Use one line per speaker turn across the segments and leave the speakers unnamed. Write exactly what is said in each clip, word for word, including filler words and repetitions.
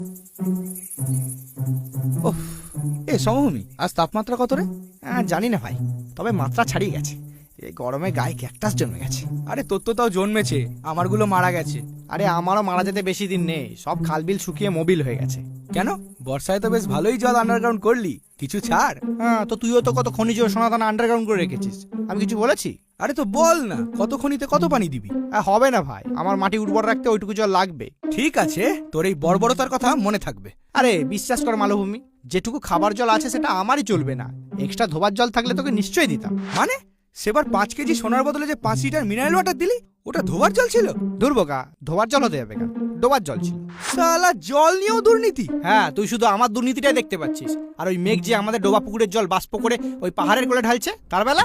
ওহ, এ সমভূমি, আজ তাপমাত্রা কত রে?
হ্যাঁ জানি না ভাই, তবে মাত্রা ছাড়িয়ে গেছে। এই গরমে গায়ে ক্যাকটাস জন্মে গেছে।
আরে তোর তো তাও জন্মেছে, আমারগুলো মারা গেছে।
আরে আমারও মারা যেতে বেশি দিন নেই, সব খালবিল শুকিয়ে মোবিল হয়ে গেছে।
কেন, বর্ষায় তো বেশ ভালোই জল আন্ডারগ্রাউন্ড করলি, কিছু ছাড়।
হ্যাঁ, তো তুইও তো কত খনিজ সোনাদানা আন্ডারগ্রাউন্ড করে রেখেছিস, আমি কিছু বলেছি?
আরে তো বল না, কত খনিতে কত পানি দিবি?
হ্যাঁ, হবে না ভাই, আমার মাটি উর্বর রাখতে ওইটুকু জল লাগবে।
ঠিক আছে, তোর এই বর্বরতার কথা মনে থাকবে।
আরে বিশ্বাস কর মালভূমি, যেটুকু খাবার জল আছে সেটা আমারই চলবে না, এক্সট্রা ধোবার জল থাকলে তোকে নিশ্চয়ই দিতাম।
মানে সেবার পাঁচ কেজি সোনার বদলে যে পাঁচ লিটার মিনারেল ওয়াটার দিলি, ওটা ধোবার জল ছিল?
দুর্বোকা, ধোবার জল হতে যাবে কেন, ডোবার জল ছিল।
শালা জল নিয়েও দুর্নীতি?
হ্যাঁ, তুই শুধু আমার দুর্নীতিটাই দেখতে পাচ্ছিস, আর ওই মেঘ যে আমাদের ডোবা পুকুরের জল বাষ্প করে ওই পাহাড়ের কোলে ঢালছে, তার বেলা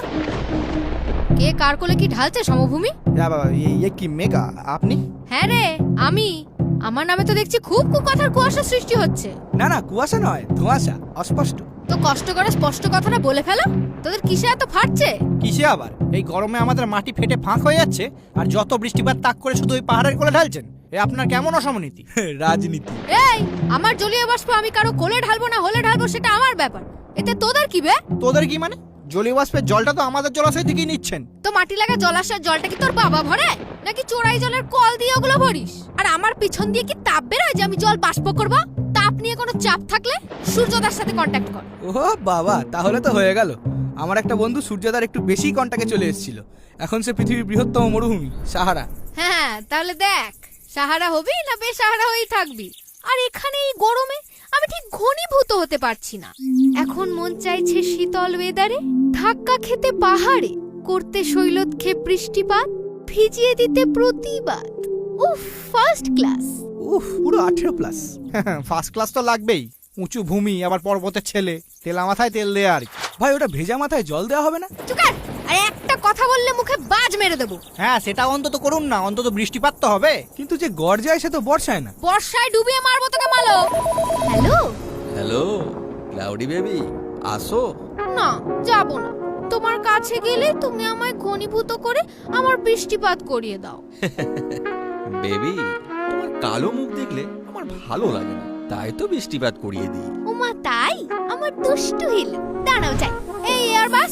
কে কার কোলে কি ঢালছে সমভূমি?
ইয়ে কি মেঘা, আপনি?
হ্যাঁ রে, আমি। আমার নামে তো দেখছি খুব কুকথার কুয়াশা সৃষ্টি হচ্ছে।
না না, কুয়াশা নয়, ধোঁয়াশা, অস্পষ্ট।
তো কষ্ট করে স্পষ্ট কথাটা বলে ফেলো, তোদের কিসে এত ফাটছে?
কিসে আবার? এই গরমে আমাদের মাটি ফেটে ফাঁক হয়ে যাচ্ছে, আর যত বৃষ্টিপাত তাক করে শুধু ওই পাহাড়ের কোলে ঢালছেন। এ আপনার কেমন অসমনীতি?
রাজনীতি।
এই, আমার জলীয় বাষ্প আমি কারো কোলে ঢালবো না হলে ঢালবো সেটা আমার ব্যাপার, এতে তোদের কি বে?
তোদের কি মানে? জলীয় বাষ্পের জলটা তো আমাদের জলাশয় থেকেই নিচ্ছেন।
তো মাটি লাগা জলাশয়ের জলটা কি তোর বাবা ভরে, নাকি চোরাই জলের কল দিয়ে ওগুলো ভরিস? আর আমার পিছন দিয়ে কি তাপ বেরোয় যে আমি জল বাষ্প করব? তাপ নিয়ে কোনো চাপ থাকলে সূর্যদার সাথে কন্ট্যাক্ট কর।
ও বাবা, তাহলে তো হয়ে গেল। আমার একটা বন্ধু সূর্যদার একটু বেশি কন্টাক্টে চলে এসেছিল, এখন সে পৃথিবীর বৃহত্তম মরুভূমি সাহারা।
হ্যাঁ, তাহলে দেখ, সাহারা হবি না বেসাহারা হয়েই থাকবি। আর এখানে এই গরমে আমি ঠিক ঘনীভূত হতে পারছি না। এখন মন চাইছে শীতল ওয়েদারে ধাক্কা খেতে পাহাড়ে, করতে শৈলক্ষেপ বৃষ্টিপাত, ভিজিয়ে দিতে প্রতিবাদ। উফ, ফার্স্ট ক্লাস।
উফ, পুরো আঠেরো প্লাস।
ফার্স্ট ক্লাস তো লাগবেই, উঁচু ভূমি, আবার পর্বতের ছেলে, তেলা মাথায় তেল দেয়া আর কি।
ভাই, ওটা ভেজা মাথায় জল দেওয়া হবে না?
চুকার, আর একটা কথা বললে মুখে বাজ মেরে দেবো।
হ্যাঁ, সেটা অন্তত করুন না, অন্তত বৃষ্টিপাত তো হবে।
কিন্তু যে গড় যায় সে তো বর্ষায় না।
বর্ষায় ডুবিয়ে মারবো তোকে মালো। হ্যালো
হ্যালো ক্লাউডি বেবি, আসো।
না, যাব না। তোমার কাছে গেলে তুমি আমায় ঘনীভূত করে আমার বৃষ্টিপাত করিয়ে দাও।
বেবি, তোমার কালো মুখ দেখলে আমার ভালো লাগে না, তাই তো বৃষ্টিপাত করিয়ে দিই।
ওমা তাই? আমার দুষ্টু হিল, দাঁড়াও যাই। এই এয়ার বাস।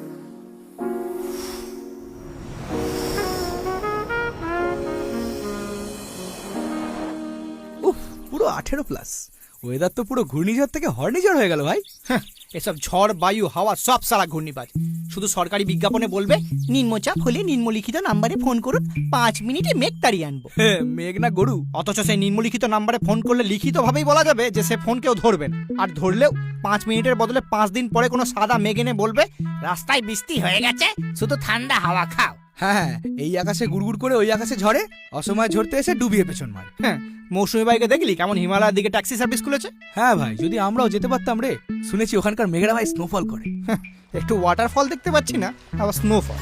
উফ, পুরো আঠেরো প্লাস। ওয়েদার তো পুরো ঘূর্ণিঝড় থেকে হর্নিঝড় হয়ে গেল ভাই।
হ্যাঁ, এসব ঝড় বায়ু হাওয়া সব সারা ঘূর্ণিবাজ। শুধু সরকারি বিজ্ঞাপনে বলবে নিম্নচাপ হলে নিম্নলিখিত নাম্বারে ফোন করুন, পাঁচ মিনিটে মেঘ তাড়িয়ে আনবো।
হ্যাঁ, মেঘ না গরু।
অথচ সেই নিম্নলিখিত নাম্বারে ফোন করলে লিখিত ভাবেই বলা যাবে যে সে ফোন কেউ ধরবেন, আর ধরলেও পাঁচ মিনিটের বদলে পাঁচ দিন পরে কোনো সাদা মেঘ এনে বলবে রাস্তায় বৃষ্টি হয়ে গেছে, শুধু ঠান্ডা হাওয়া খাও।
হ্যাঁ, এই আকাশে গুড়গুড় করে ওই আকাশে ঝরে, অসময় ঝরতে এসে ডুবিয়ে পেছন মারে।
হ্যাঁ, মৌসুমী বাইকে দেখলি কেমন হিমালয়ের দিকে ট্যাক্সি সার্ভিস খুলেছে?
হ্যাঁ ভাই, যদি আমরাও যেতে পারতাম রে। শুনেছি ওখানকার মেঘরা ভাই স্নোফল করে।
হ্যাঁ, একটু ওয়াটারফল দেখতে পাচ্ছি না, আবার স্নোফল।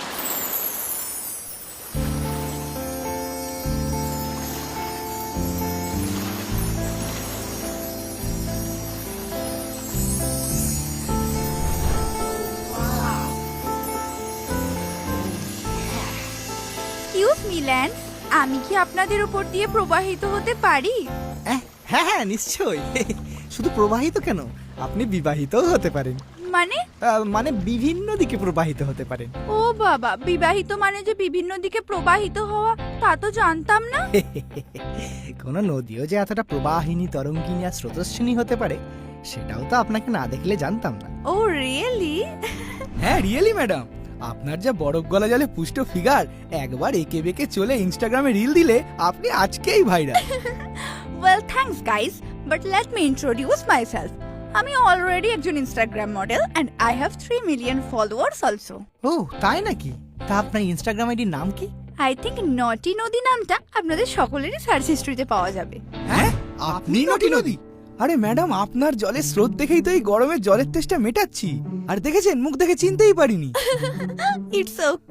এক্সকিউজ মি ল্যান্ড, আমি কি আপনাদের উপর দিয়ে প্রবাহিত হতে পারি?
হ্যাঁ হ্যাঁ, নিশ্চয়ই। শুধু প্রবাহিত কেন, আপনি বিবাহিতও হতে পারেন।
মানে?
আহ, মানে বিভিন্ন দিকে প্রবাহিত হতে পারেন।
ও বাবা, বিবাহিত মানে যে বিভিন্ন দিকে প্রবাহিত হওয়া, তা তো জানতাম না।
কোন নদীও যে এতটা প্রবাহিনী, তরঙ্গিনী আর স্রোতস্বিনী হতে পারে, সেটাও তো আপনাকে না দেখলে জানতাম না।
Oh really?
হ্যাঁ, রিয়েলি ম্যাডাম, আপনার যা বরফ গলা জলে পুষ্ট ফিগার, একবার একে বেঁকে চলে ইনস্টাগ্রামে রিল দিলে আপনি আজকেই viral.
Well thanks guys, but let me introduce myself. আমি অলরেডি একজন Instagram model and I have three million followers also.
ও তাই নাকি? তা আপনার ইনস্টাগ্রাম আইডির নাম কি?
আই থিংক নটি নদী নামটা আপনাদের সকলেরই সার্চ হিস্ট্রিতে পাওয়া যাবে।
হ্যাঁ, আপনি নটি নদী? আরে ম্যাডাম, আপনার জলের স্রোত দেখেই তো এই গরমে জলের তেষ্টা মেটাচ্ছি। আর দেখেছেন, মুখ দেখে চিনতেই পারিনি।
ইটস ওকে,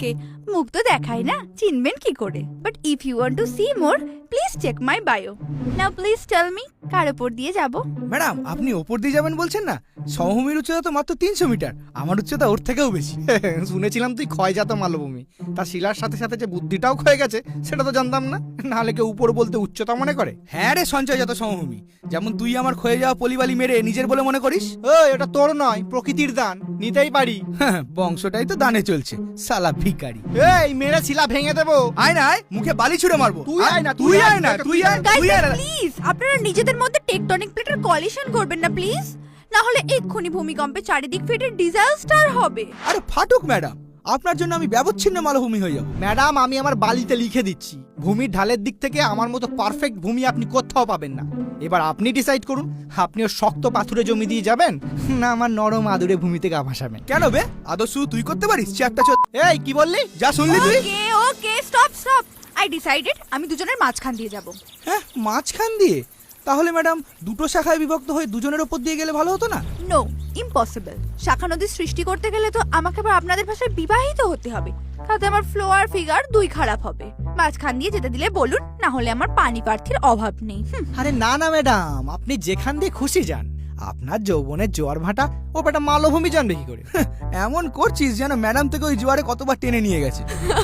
মুখ তো দেখাই না, চিনবেন কি করে? But if you want to see more, please check my bio. Now please tell me, কার উপর দিয়ে যাব?
ম্যাডাম আপনি ওপর দিয়ে যাবেন বলছেন না, সমভূমির উচ্চতা তো মাত্র তিনশো মিটার, আমার উচ্চতা ওর থেকেও বেশি।
শুনেছিলাম তুই ক্ষয়জাত মালভূমি, তার শিলার সাথে সাথে যে বুদ্ধিটাও ক্ষয়ে গেছে সেটা তো জানতাম না। নাহলে কেউ উপর বলতে উচ্চতা মনে করে?
হ্যাঁ রে সঞ্চয়জাত সমভূমি, যেমন তুই আমার ক্ষয়ে যাওয়া পলিবালি মেরে নিজের বলে মনে করিস।
ওই এটা তোর নয়, প্রকৃতির দান, নিতেই পারি।
হ্যাঁ, বংশটাই তো দানে চলছে, সালা ভিখারি।
এই মেরে শিলা ভেঙে দেবো।
আয় না আয়, মুখে বালি ছুড়ে মারবো।
তুই আয় না,
তুই আয় না, তুই আয়,
গাইস
তুই আয় না।
প্লিজ, আপনারা নিজেদের মধ্যে টেকটনিক প্লেটের কলিশন করবেন না প্লিজ, না হলে এক্ষুনি ভূমিকম্পে চারিদিক ফেটে ডিজাস্টার হবে।
আরে ফাটুক ম্যাডাম, আপনার জন্য আমি ব্যবচ্ছিন্ন মালভূমি হয়ে যাবো।
ম্যাডাম আমি আমার বালিতে লিখে দিচ্ছি, ভূমির ঢালের দিক থেকে আমার মতো পারফেক্ট ভূমি আপনি কোথাও পাবেন না। এবার আপনি ডিসাইড করুন, আপনিও শক্ত পাথুরে জমি দিয়ে যাবেন, না আমার নরম আদুরে ভূমিতে গা ভাসাবেন।
কেন বে, আদর্শ তুই করতে পারিস চারটা চোদ?
এই কি বললি?
যা শুনলি তুই?
Okay okay stop stop, I decided আমি দুজনের মাঝখান দিয়ে যাব।
হ্যাঁ, মাঝখান দিয়ে? তাহলে ম্যাডাম দুটো শাখায় বিভক্ত হয়ে দুজনের ওপর দিয়ে গেলে ভালো হতো না?
No, impossible. শাখা নদী সৃষ্টি করতে গেলে তো আমাকে আবার আপনাদের ভাষায় বিবাহিত হতে হবে, তাতে আমার ফ্লো আর ফিগার দুই খারাপ হবে। মাঝখান দিয়ে যেতে দিলে বলুন, না হলে আমার পানি প্রার্থীর অভাব নেই। হুম,
আরে না না ম্যাডাম, আপনি যেখান দিয়ে খুশি যান, আপনার যৌবনের জোয়ার ভাটা ও বেটা মালভূমি জানবে কি করে?
এমন করছিস যেন ম্যাডাম থেকে ওই জোয়ারে কতবার টেনে নিয়ে গেছে।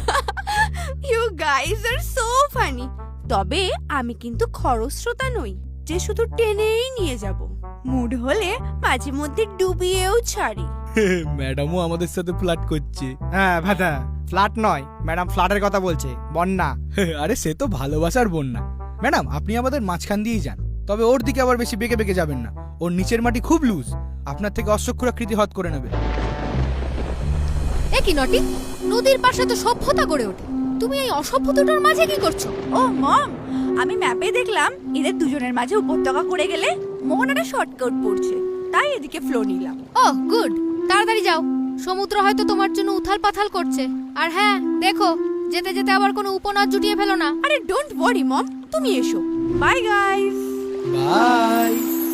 You guys are so funny. তবে আমি কিন্তু খরস্রোতা নই যে শুধু টেনেই নিয়ে যাব, মুড হলে মাঝে মধ্যে ডুবিয়েও ছাড়ি।
ম্যাডামও আমাদের সাথে ফ্লার্ট করছে।
হ্যাঁ ভাটা, ফ্ল্যাট নয় ম্যাডাম, ফ্ল্যাটের কথা বলছে, বন্যা।
আরে সে তো ভালোবাসার বন্যা। ম্যাডাম আপনি আমাদের মাঝখান দিয়েই যান, তবে ওর দিকে আবার বেশি বেঁকে বেঁকে যাবেন না, ওর নিচের মাটি খুব লুজ, আপনার থেকে অশ্বক্ষুরাকৃতি হত করে নেবে।
এ কি নটি, নদীর পাশে তো সভ্যতা গড়ে ওঠে, তুমি এই অসভ্যতাটার মাঝে কি করছো?
ও মম, আমি ম্যাপে দেখলাম এদের দুজনের মাঝে উপত্যকা করে গেলে মোহনাটা শর্টকাট পড়ছে, তাই এদিকে ফ্লো নিলাম।
ও গুড, তাড়াতাড়ি যাও, সমুদ্র হয়তো তোমার জন্য উথাল পাথাল করছে। আর হ্যাঁ দেখো, যেতে যেতে আবার কোনো উপনাদ জুটিয়ে ফেলো না।
আরে ডোন্ট ওয়ারি মম, তুমি এসো। Bye guys.
বাই।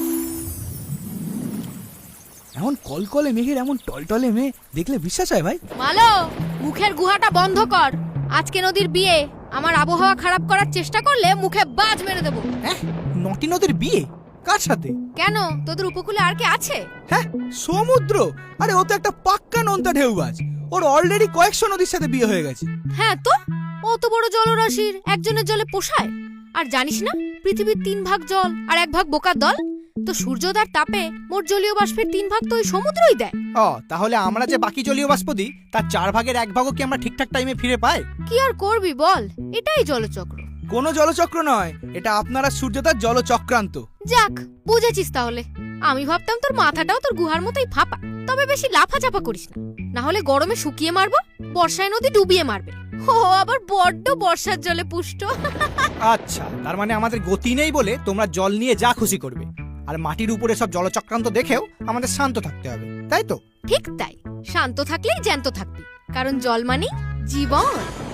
এমন কলকলে মেঘের এমন টলটলে মেয়ে দেখলে বিশ্বাস হয় ভাই?
মালো, মুখের গুহাটা বন্ধ কর। আজকে নদীর বিয়ে, আমার আবহাওয়া খারাপ করার চেষ্টা করলে মুখে বাজ মেরে দেবো।
হ্যাঁ, নটি নদীর বিয়ে কার সাথে?
কেন, তোদের উপকূলে আর কে আছে?
হ্যাঁ, সমুদ্র? আরে ও তো একটা পাক্কা নোনতা ঢেউবাজ, ওর অলরেডি কয়েকশো নদীর সাথে বিয়ে হয়ে গেছে।
হ্যাঁ তো, অত বড় জলরাশির একজনের জলে পোষায়? আর জানিস না, পৃথিবীর তিন ভাগ জল আর এক ভাগ বোকার দল, তো সূর্যোদয়ের তাপে মোট জলীয় বাষ্পের তিন ভাগ তো ওই সমুদ্রই দেয়।
ও তাহলে আমরা যে বাকি জলীয় বাষ্প দিই তার চার ভাগের এক ভাগও কি আমরা ঠিকঠাক টাইমে ফিরে পাই?
কি আর করবি বল, এটাই জলচক্র।
কোনো জলচক্র নয়, এটা আপনারা সূর্যতার জলচক্রান্ত।
যাক, বুঝেছিস তাহলে। আমি ভাবতাম তোর মাথাটাও তোর গুহার মতোই ফাঁপা। তবে বেশি লাফাচাপা করিস না, না হলে গরমে শুকিয়ে মারবো, বর্ষায় নদী ডুবিয়ে মারবে। ও আবার বড্ড বর্ষার জলে পুষ্ট।
আচ্ছা, তার মানে আমাদের গতি নেই বলে তোমরা জল নিয়ে যা খুশি করবে, আর মাটির উপরে সব জলচক্রান্ত দেখেও আমাদের শান্ত থাকতে হবে, তাই তো?
ঠিক তাই, শান্ত থাকলেই জ্যান্ত থাকবি, কারণ জল মানেই জীবন।